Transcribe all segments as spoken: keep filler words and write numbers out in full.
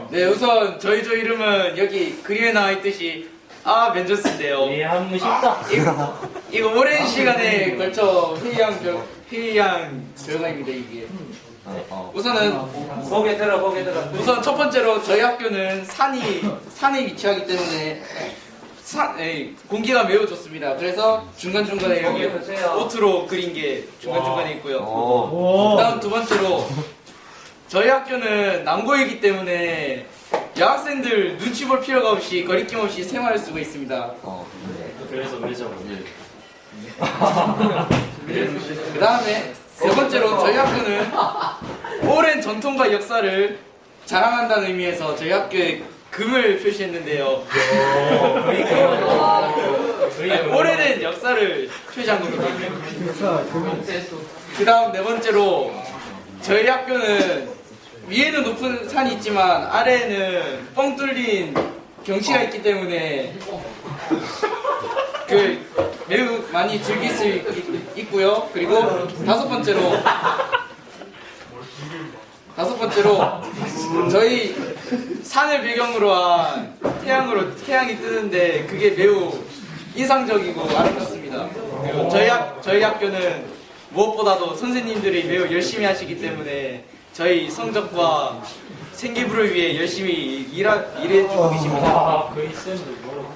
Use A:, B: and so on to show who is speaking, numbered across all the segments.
A: 네, 우선 저희 조 이름은 여기 그림에 나와 있듯이 아 면접인데요.
B: 예, 한번 쉽다.
A: 이거, 이거 오랜 시간에 걸쳐 회의한 결 회의한 결과입니다 이게. 우선은
B: 고개 들어, 고개 들어.
A: 우선 첫 번째로 저희 학교는 산이 산에 위치하기 때문에 산, 에이, 공기가 매우 좋습니다. 그래서 중간 중간에 여기 오트로 그린 게 중간 중간에 있고요. 그다음 두 번째로 저희 학교는 남고이기 때문에 여학생들 눈치 볼 필요가 없이 거리낌 없이 생활할 수가 있습니다.
B: 그래서 왜죠?
A: 그 다음에 세 번째로 저희 학교는 오랜 전통과 역사를 자랑한다는 의미에서 저희 학교에 금을 표시했는데요. 아니, 오래된 역사를 표시한 겁니다. 그 다음 네 번째로 저희 학교는 위에는 높은 산이 있지만 아래에는 뻥 뚫린 경치가 있기 때문에 그 매우 많이 즐길 수 있, 있고요. 그리고 다섯 번째로 다섯 번째로 저희 산을 배경으로 한 태양으로 태양이 뜨는데 그게 매우 인상적이고 아름답습니다. 그리고 저희 학 저희 학교는 무엇보다도 선생님들이 매우 열심히 하시기 때문에 저희 성적과 생기부를 위해 열심히 일하, 일해주고 계십니다.
B: 아, 그 있으면 뭐라고.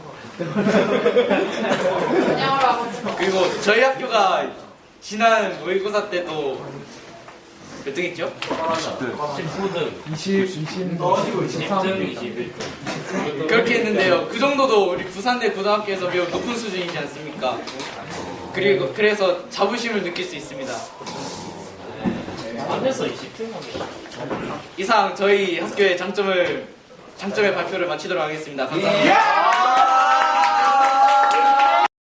A: 그리고 저희 학교가 지난 모의고사 때도 몇 등 했죠?
B: 십구 등,
C: 이십, 이십,
B: 십 등, 이십일 등.
A: 그렇게 했는데요. 그 정도도 우리 부산대 고등학교에서 매우 높은 수준이지 않습니까? 그리고 그래서 자부심을 느낄 수 있습니다.
B: 안에서 이십 등 하면
A: 이상 저희 학교의 장점을 장점의 발표를 마치도록 하겠습니다. 감사합니다.